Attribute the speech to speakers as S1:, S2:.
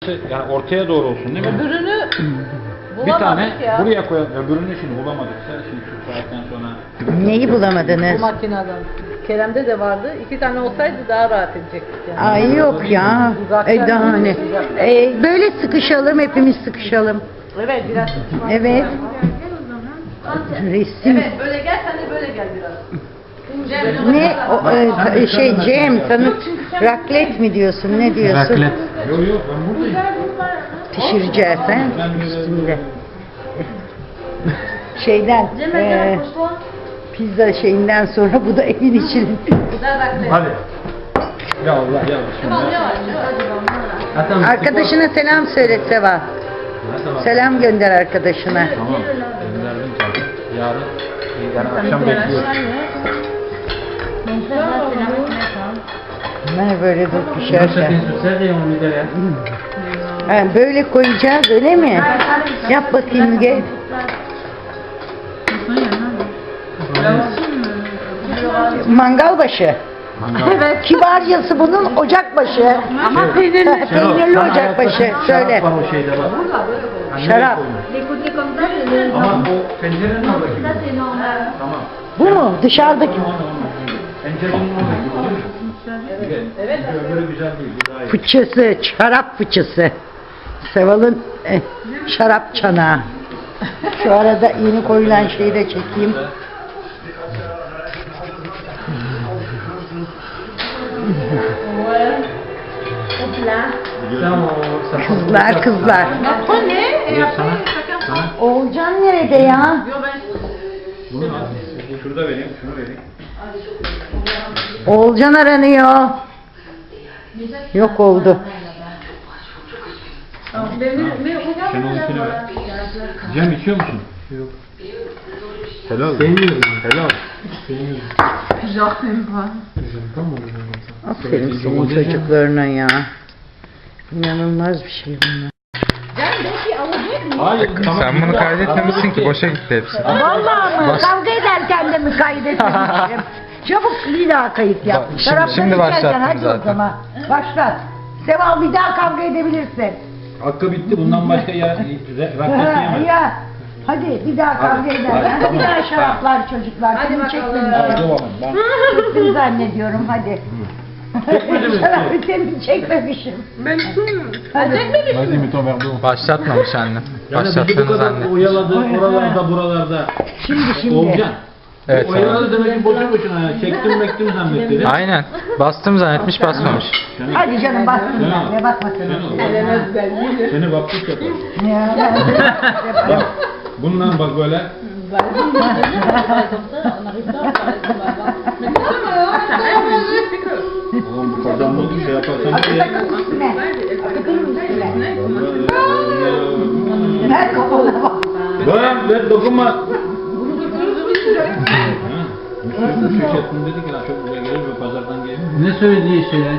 S1: Yani ortaya doğru olsun değil mi?
S2: Öbürünü
S1: Bir tane
S2: bulamadık ya.
S1: buraya koyalım. Öbürünü şimdi bulamadıksa şimdi şu saatten sonra.
S3: Neyi
S2: Bu
S3: bulamadınız?
S2: makineden. Kerem'de de vardı. 2 tane olsaydı daha rahat edecektik yani.
S3: Ay yok ya. Daha ne? Böyle sıkışalım, hepimiz sıkışalım.
S2: Evet biraz sıkışmak
S3: Evet.
S2: lazım.
S3: Resim.
S2: Evet böyle gel sen de böyle gel biraz.
S3: Ne? Cem, tanıt. Raklet mi diyorsun? Ne diyorsun?
S1: Raklet. Yok yok ben buradayım.
S3: Pişireceğiz ha? Üstünde. Şeyden, pizza şeyinden sonra bu da evin için.
S1: Hadi. Ya Allah ya şimdi.
S3: Arkadaşına selam söyle Seva. Selam gönder arkadaşına.
S1: Tamam. Gönderdim zaten. Yarın akşam bekliyorum.
S3: Ne böyle dur pişerken. Ha, böyle koyacağız öyle mi? Yap bakayım gel. Mangal başı. Evet. Kibarcası bunun ocakbaşı. Ama peynirli ocakbaşı. Söyle.
S1: Var o şeyde bak.
S3: Şarap.
S1: Ama o pencerenin oradaki. Tamam.
S3: Bu mu? Dışarıdaki.
S1: Pencerenin oradaki. Evet. Öbürü güzel değil. Bu daha iyi.
S3: Fıçısı, şarap fıçısı. Seval'ın şarap çanağı. Şu arada yeni koyulan şeyi de çekeyim. Kızlar.
S2: O ne?
S3: Oğulcan nerede ya?
S1: Bunu al. Şurada vereyim. Şunu vereyim.
S3: Oğulcan aranıyor. Yok oldu.
S1: Sen onunkini ver. Cem içiyor musun? Yok. Helal. Helal.
S3: Aferin senin çocuklarına ya. İnanılmaz bir şey bunlar.
S1: Hayır.
S4: Sen bunu kaydetmemişsin ki boşa gitti hepsi.
S3: Vallahi mı? Kavga ederken de mi kaydetmemişim? Çabuk bir daha kayıt yap.
S4: Şimdi
S3: Şarapları
S4: başlattım
S3: içerken hadi
S4: zaten.
S3: o zaman. Başlat. Seval bir daha kavga edebilirsin.
S1: Hakkı bitti. Bundan başka ya raklet yiyemez.
S3: Ya. Hadi bir daha kavga ederken.
S1: tamam.
S3: Bir daha şaraplar çocuklar. Hadi
S1: Hadi
S3: çekmemişim.
S1: bakalım. Ben
S3: Çektim zannediyorum hadi. Şarabı seni çekmemişim.
S1: Vas-y, mets ton verre d'eau.
S4: Başlatmamış anne.
S1: Yani bizi bu
S4: Başlattığını
S1: kadar
S4: zannetmiş.
S1: oyaladı, oralarda, buralarda.
S3: Şimdi.
S1: Olcan.
S4: Evet,
S1: Oyaladı demek ki boşu boşuna ya. Çektim mektim zannetti.
S4: Aynen. Bastım zannetmiş basmamış.
S3: Hadi canım basma sen de basma sen.
S1: Seni baptist yapar.
S3: Ya ben
S1: Bak, bundan bak böyle. Oğlum bu kazanmadı şey yaparsan bir ya.
S3: Ver kafana bak.
S1: Ver dokunma. Müşteri dedik ya çok buraya gelir ve pazardan gelir.
S5: Ne söylediği şey ya?